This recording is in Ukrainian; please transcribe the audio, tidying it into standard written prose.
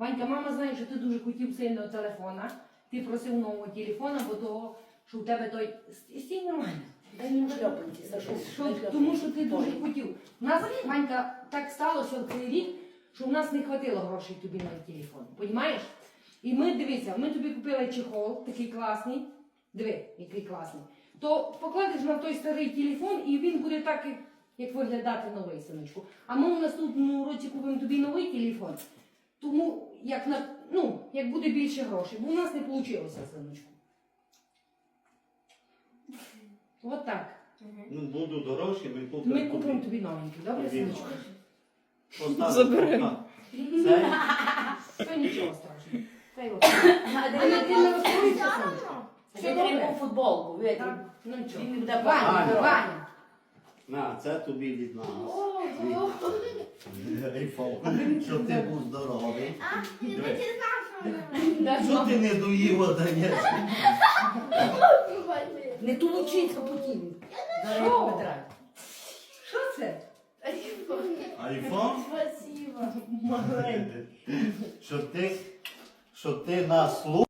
Ванька, мама знає, що ти дуже хотів сильного телефона. Ти просив нового телефона, бо того, що у тебе той... Стій нормально. Дай йому шльопанці, Сашу. Тому що ти дуже хотів. У нас, Ванька, так сталося в цей рік, що у нас не хватило грошей тобі на телефон. Понімаєш? І ми, дивися, ми тобі купили чехол, такий класний. Диви, який класний. То покладеш на той старий телефон і він буде так, як виглядати новий, синочку. А ми у наступному році купимо тобі новий телефон. Тому, як буде більше грошей. Бо у нас не вийшло, синочку. От так. Ну, буду дорожче, ми купимо. Ми купимо тобі новенький, добре, синочку? Забери. Це? Це нічого страшного. Це його. А ти не розкоїшся, синочку? Все треба футболку, видите? Ну нічого. Він не буде Ваня, бачити. Ваня. На, це тобі від нас. Айфон. Щоб ти був здоровий. Що ти не доїв, даєш? Не тулучиться потім. Що? Що це? Айфон? Спасибо. Щоб ти нас слухав.